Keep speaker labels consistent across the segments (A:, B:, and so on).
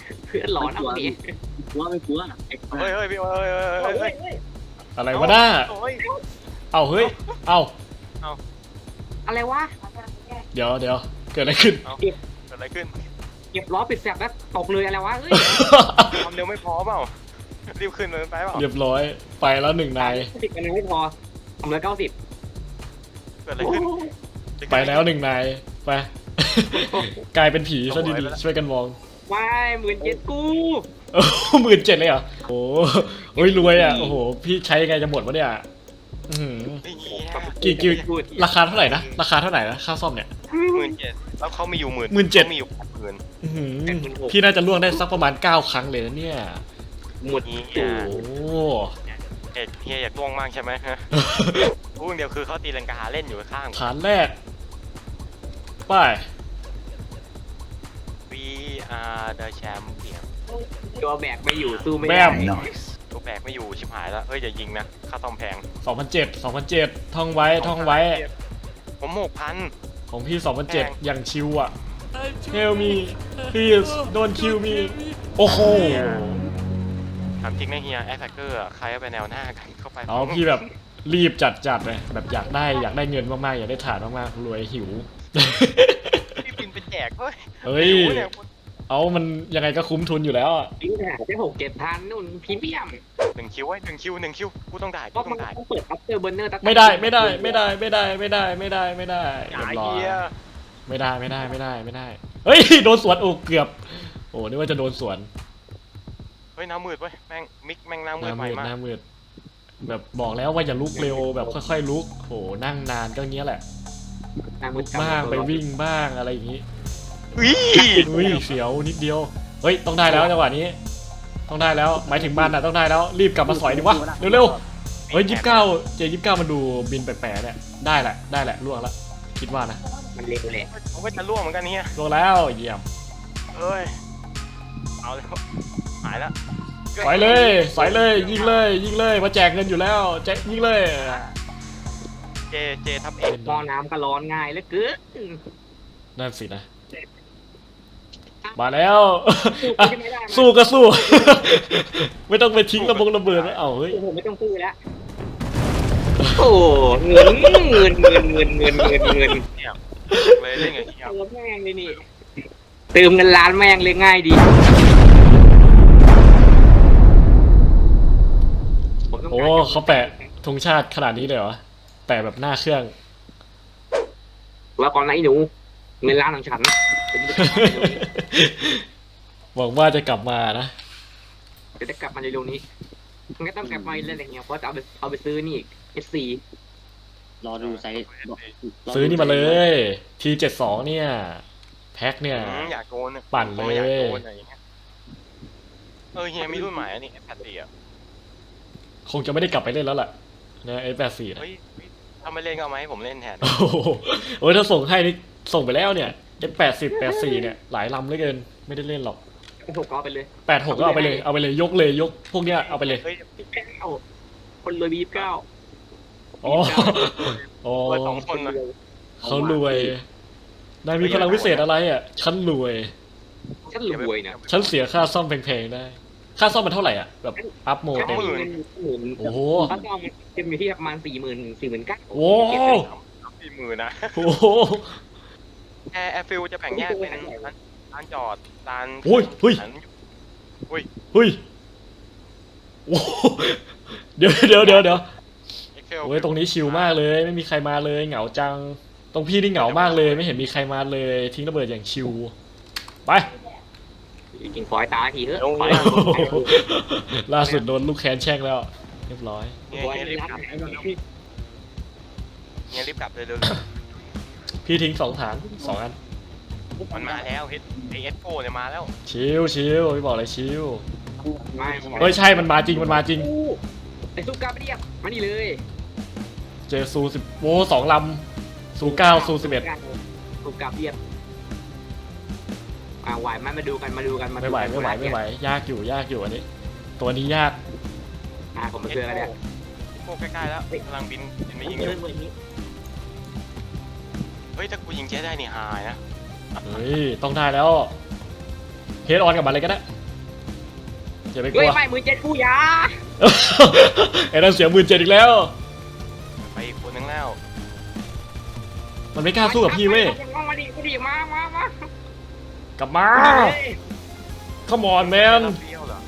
A: เพื่อนหลอนเอาดิ
B: กลัวไม่กลัวไอ้
C: เฮ้ยพี่เฮ้ย
D: อะไรวะหน้า
C: โอ้ย
D: เอาเฮ้ยเอา
A: อะไรวะ
D: เดี๋ยวเกิดอะไรขึ้น
C: เกิดอะไรขึ้น
A: เก็บล้อปิดแสบแล้วตกเลยอะไรวะเฮ้ย
C: ความเร็วไม่พอเปล่ารีบขึ้นเลยไปเปล่า
D: เรียบร้อยไปแล้วหนึ่งนาย
A: 10คะแนนไม่พอทำเลย90
C: เกิดอะไรขึ้น
D: ไปแล้วหนึ่งนายไป กลายเป็นผีซะดีๆช่วยกันมอง
A: ว้าย17,000กู
D: 17,000เลยเหรอโอ้โหรวยอ่ะโอ้โหพี่ใช้ยังไงจะหมดวะเนี่ยอื้อหือ กี่ราคาเท่าไหร่นะราคาเท่าไหร่นะค่าซ่อมเนี่ย
C: 17,000แล้วเขามีอยู่
D: 17,000
C: 17,000มีอยู่80,000
D: อื้อหือพี่น่าจะล่วงได้สักประมาณ9 ครั้งเลยนะเนี่ย
A: หมด
C: นี่
D: โอ้โห
C: เฮียอยากล่วงมากใช่ไหมฮะพูดเดียวคือเขาตีลังกาเล่นอยู่ข้าง
D: ฐานแรกไป
C: We are the champion
A: ตัวแบกไม่อยู่สู้ไม่
D: แบ
A: ได้
D: ม
C: ตัวแบกไม่อยู่ชิบหายแล้วเฮ้ยอย่ายิงนะค่าซ่อมแพง
D: 2007ท่องไว้
C: ผม6,000
D: ของพี่2007อย่างชิวอ่ะ Help me please don't kill me โอ้โห
C: ถามจริงนะเฮียแอคแท็กเกอร์ใครเอาไปแนวหน้ากันเข้าไป
D: เอาพี่แบบรีบจัดเลยแบบอยากได้เงินมากๆอยากได้ฐานมากๆรวยหิว
C: พี่บินเป็นแจกเฮ้ย
D: เฮ้ยเอามันยังไงก็คุ้มทุนอยู่แล้วอะ
A: ปิ้งหาแค่6-7,000นู่นพรีเมียม
C: 1 คิวไว้1 คิวกูต้องได้
A: ก็
C: กูต้
A: มั
C: อน งได้
A: ต้องเปิดอัพเตอร์เบอร์เนอร์
D: ไม่ได้เรียบ
C: อ
D: ร้อย
C: ย่า
D: ไม่ได้เฮ้ยโดนสวนโอ้เกือบโอ้นึกว่าจะโดนสวน
C: เฮ้ยน้ำมืดเว้ยแม่งมิกแม่งน้ำมืดใหม่มาก
D: หน้ามืดแบบบอกแล้วว่าอย่าลุกเร็วแบบค่อยๆลุกโหนั่งนานก็เงี้ยแหละลุกบ้างไปวิ่งบ้างอะไรอย่างงี้ อุ้ยเสียวนิดเดียวเฮ้ยต้องได้แล้วจังหวะนี้ต้องได้แล้วหมายถึงมันอ่ะต้องได้แล้วรีบกลับมาสอยดิวะเร็วๆเฮ้ย29มันดูบินแปลกๆเนี่ยได้แหละล่วงละคิดว่านะ
A: มันเร็วแหละ
C: ผมก็จะล่วงเหมือนกันเฮีย
D: ล่วงแล้วเยี่ยม
C: เอ้ยเอาแล้วหายแล้ว
D: สอยเลยยิงเลยมาแจกเงินอยู่แล้วแจกยิงเลย
C: เจทับเอ็ก
A: มอน้ำก็ร้อนง่ายเหลือเกิน
D: นั่นสินะมาแล้ว
A: ไม่ได้
D: สู้ก็สู้ ไม่ต้องไปทิ้งระเบิดแล้วเอ้าเฮ้ย
A: ผมไม่ต้องซื้อแล้วโอ้เงิน
C: เนี่ยเลยเล่นกับเฮีย
A: เติมแม่งเลยนี่เติมเงินล้านแม่งเลยง่ายดี
D: โอ้เขาแปะธงชาติขนาดนี้เลยเหรอแปะแบบหน้าเครื่อง
A: ว่าก่อนไหนหนูเงินล้านของฉัน
D: หวังว่าจะกลับมานะ
A: เดี๋ยวจะกลับมาในเร็วนี้มันก็ต้องกลับมาเรื่อยๆเนี่ยเพราะจะเอาไปซื้อนี่อีก S4
B: รอดูไซส์
D: ซื้อนี่มาเลย T72 เนี่ยแพ็คเนี่ย
C: อยากโกน
D: ปั่นเลย
C: อยากโกนอะไรอย่างเงี้ยเฮียมีรุ่นใหม่อันนี้แพตตี้อ่ะ
D: คงจะไม่ได้กลับไปเล่นแล้วล่ะนะF84นะ
C: เฮ้ยถ้าไม่เล่นก็เอามาให้ผมเล่นแทน
D: โอ้โหโอ้ยถ้าส่งให้นี่ส่งไปแล้วเนี่ย F84เนี่ยหลายลำเหลือเกินไม่ได้เล่นหรอก
A: ถูกเอาไปเลย
D: 86ก็เอาไปเลยยกพวกเนี้ยเอาไปเลย
C: เฮ้ย
A: เอาคนรวยบี29
D: อ๋ออ๋อ
C: เปิด2 คนนะ
D: เขารวยนายมีพลังวิเศษอะไรอ่ะฉันรวย
A: ฉันรวยนะ
D: ฉันเสียค่าซ่อมแพงๆได้ ค่าซ่อมมันเท่าไหร่อ่ะแบบอัพโหมดเต็มโอ้โห
A: ถ้าต้องมันอยู่ที่ประมาณ49,000
D: โอ้
C: 40,000นะ
D: โห
C: แอร์ฟิลจะแบ่งแยกเป็นลานจอดลาน
D: เฮ้ยโอ้โหเดี๋ยวโอ้ยตรงนี้ชิลมากเลยไม่มีใครมาเลยเหงาจังตรงพี่นี่เหงามากเลยไม่เห็นมีใครมาเลยทิ้งระเบิดอย่างชิลไป
A: กินฝอยตาทีเถอะ
D: ล่าสุดโดนลูกแคนแช่งแล้วเรียบร้อย
C: เฮียรีบกลับเลยเร็ว
D: พี่ทิ้ง2 ฐาน 2 อัน
C: มันมาแล้วเอสโฟเนี่ยมาแล้ว
D: ชิลพี่บอกเลยชิล
A: ไม่
D: เฮ้ยใช่มันมาจริง
A: ไอ้ซุปกาเรียบมานี่เลย
D: เจอซู10โอ้2 ลำซู9ซู11
A: ซุปกาเรียบไหวมาดูกัน
D: ไม่ไหวยากอยู่อันนี้ตัวนี้ยาก
A: ผมมาเจอแล้วเนี่ย
C: โฟใกล้ๆแล้วกำลังบินไม่ยิงอยู่เฮ้ยถ้ากูยิงเจ๊ได้นี่หายนะ
D: เฮ้ยต้องได้แล้วเฮดออนกับมันเลยก็ได้อย่าไปก
A: เฮ้
D: ลั
A: ยว ไม่มือเจ็ดกูอยา
D: ไอ้นั่นเสีย17,000อีกแล้ว
C: ไปอีกคนนึงแล้ว
D: มันไม่กล้าสู้กับพี่เว้ย
A: มาดิมา
D: กลับมา Come on
C: เจ็
D: man
C: ดเราเฟี้ยวเหรอ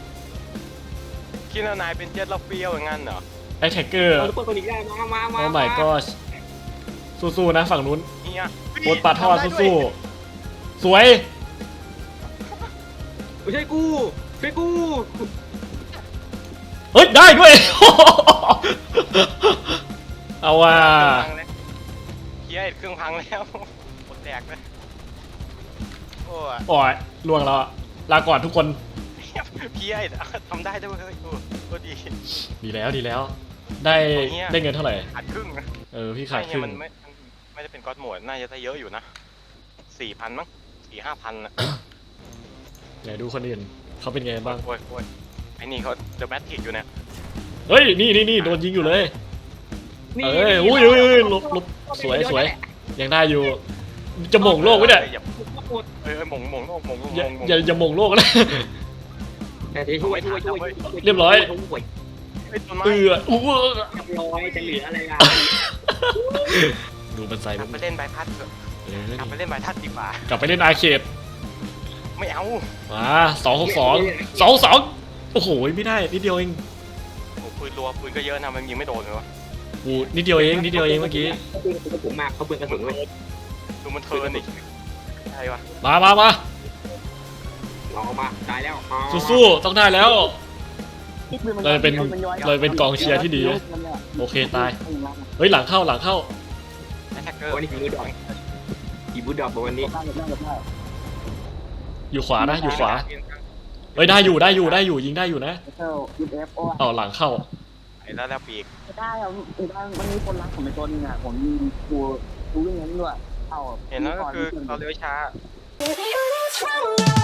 C: คิดว่านายเป็นเจ็ดเราเฟี้ยวอย่างนั้นเหรอ
D: Attacker
A: เอาตัวนี้ได้มา
D: Oh my gosh สู้ๆนะฝั่งนู้น
C: เฮีย
D: โคตรปลาทอดสู้ๆสวย
A: ไม่ใช่กูช่วยกู
D: เฮ้ย ได้ด้วย เอาว่ะ
C: เฮียเครื่องพังแล้วหมดแตกเลยโอ้ย
D: โอ้ยล่วงแล้วอะลาก่อนทุกคน
C: เฮียทำได้ด้วยเฮ้ยโคตรดี
D: ดีแล้วดีแล้ว ได้
C: โอ้ยเนี่ย
D: ได้เงินเท่าไหร่
C: ขาดครึ่งนะ
D: พี่ขาดครึ่ง
C: มันไม่ได้เป็นก๊อตโหมดน่าจะได้เยอะอยู่นะ4,000มั้ง4-5,000นะ
D: ไหนดูคนอื่นเขาเป็นไงบ้าง
C: โอ้ยไอ้นี่เขาเดอะแมทริกอยู่เนี่ย
D: เฮ้ย นี่โดนยิงอยู่เลย อุ้ยลบสวยยังได้อยู่ จะหม่งโลกไว้เนี่ย
C: หม่งโลกหม่ง
D: อย่าหม่งโลกนะ
A: แต่ช่วย
D: เรียบร้อย
C: ไอ้ต้นไม้
D: อู้
A: เรียบร้อยจะเหลืออะไรล่ะ
D: ดูมันใส่
C: กลับไปเล่นใบพัดเถอะกลับไปเล่นใบพัดดีกว่าก
D: ลับไปเล่นอาร์เคด
C: ไม่เอา
D: มา262โอ้โหไม่ได้นิดเดียวเอง
C: โอ้ปืนรัวปืนก็เยอะนะมันยิงไม่โดนเลยวะ
D: กูนิดเดียวเองเมื่อกี้
A: เขาปืนกระสุนมากเขาปืนกระสุนเว้ย
C: ดูมันเทิร์นอีกใช่ปะ
D: มา
A: ออกมาตายแล้ว
D: สู้ๆต้องได้แล้วเราเป็นกองเชียร์ที่ดีโอเคตายเฮ้ยหลังเข้า
C: แอทแทกเกอร์
A: วันนี้ผีบูดอกผีบูดอกวันนี้
D: อยู่ขวานะอยู่ขวาเฮ้ยได้อยู่ยิงได้อยู่นะเอาหลังเข้า
C: ไอ้แล้วปีก
B: ได้เอามันมีคนรักผมเป็นตัวนึงอ่ะผมยิงกูวิ่งงั้นด้วย
C: เห็นแล้วก็คือเราเลี้ยวช้า
E: Baby, when it's wrong,